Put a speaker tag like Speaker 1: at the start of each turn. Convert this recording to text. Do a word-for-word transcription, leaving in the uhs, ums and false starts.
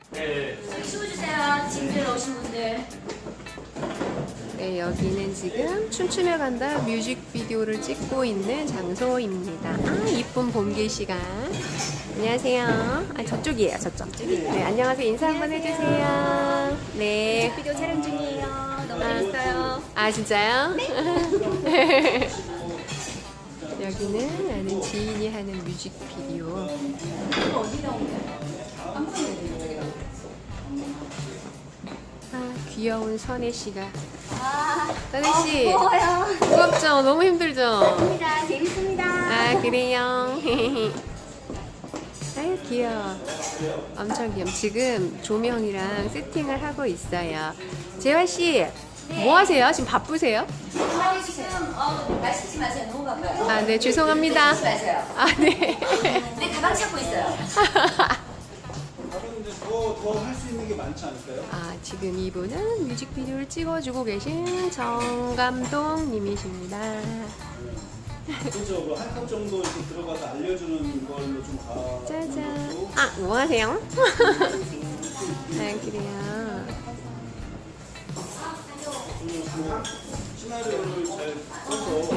Speaker 1: 네.
Speaker 2: 저기 숨어주세요. 짐들 오신 분들.
Speaker 3: 네, 여기는 지금 춤추며 간다 뮤직비디오를 찍고 있는 장소입니다. 아, 이쁜 봄 계시가. 안녕하세요. 아, 저쪽이에요, 저쪽. 네, 안녕하세요. 인사 한번 해주세요. 네.
Speaker 2: 비디오 촬영 중이에요. 너무 재밌어요.
Speaker 3: 아, 진짜요? 네. 여기는 아는 지인이 하는 뮤직비디오.
Speaker 2: 어디 나온 거야?
Speaker 3: 아, 귀여운 선혜 씨가.
Speaker 2: 아,
Speaker 3: 선혜 씨,
Speaker 2: 어, 무거워요.
Speaker 3: 무겁죠? 너무 힘들죠?
Speaker 2: 재밌습니다. 재밌습니다.
Speaker 3: 아, 그래요? 아유, 귀여워. 엄청 귀여워. 지금 조명이랑 세팅을 하고 있어요. 재화 씨, 뭐 하세요? 지금 바쁘세요?
Speaker 2: 해주세요. 어, 마시지 마세요. 너무 바빠요.
Speaker 3: 아, 네, 죄송합니다.
Speaker 2: 마시지 마세요.
Speaker 3: 아, 네.
Speaker 2: 내 가방 찾고 있어요.
Speaker 4: 다른 더더 할 수 있는 게 많지 않을까요?
Speaker 3: 아, 지금 이분은 뮤직비디오를 찍어주고 계신 정 감독님이십니다.
Speaker 4: 그렇죠. 한 컷 정도 이렇게 들어가서 알려주는 걸로 좀 가.
Speaker 3: 짜잔. 아, 뭐 하세요? 아, 그래요.
Speaker 4: 시나리오를 잘 써서